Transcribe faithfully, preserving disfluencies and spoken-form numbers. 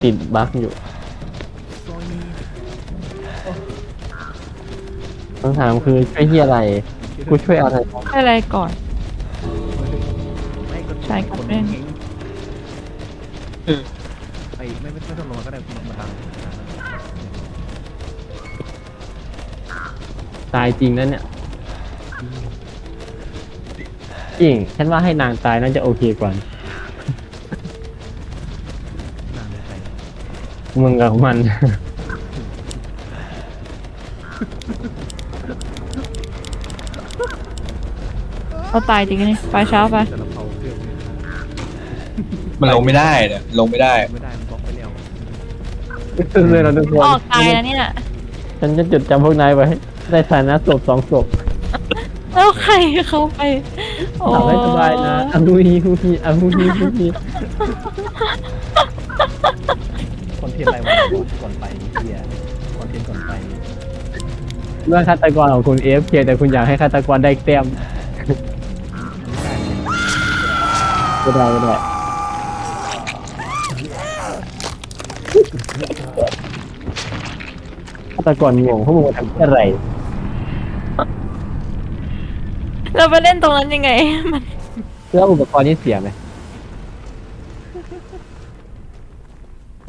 ติดบั๊กอยู่คำถามคือช่วยที่อะไรกูช่วยอะไรอะไรก่อนไม่ก็ใช่ครับคนเล่นเก่งไอ้ไม่ไม่ไม่ต้องลงมาก็ได้คุณมาทางตายจริงนั่นเนี่ยจริงฉันว่าให้นางตายน่าจะโอเคกว่านางเลยไปมึงกับมันเขาตายจริงนี่ไปเช้าไปแต่ละเผาเครื่องมันลงไม่ได้เนี่ยลงไม่ได้ไม่ได้มันบล็อกไปแล้วเลยเราทุกคนออกตายแล้วเนี่ยฉันจะจดจำพวกนายไว้ในฐานะศพสองศพแล้วใครเขาไปโอ้หลับให้สบายนะอาฮูฮีฮูฮีอาฮูฮีฮูฮีคอนเทนต์อะไรวะก่อนไปเฮียคอนเทนต์ก่อนไปเรื่องฆาตกรของคุณเอฟเคแต่คุณอยากให้ฆาตกรได้แต้มไม่ได้ไม่ได้ฆาตกรงงพวกมึงมาทำอะไรเราไปเล่นตรงนั้นยังไงมันแล้วอุปกรณ์นี่เสียไหม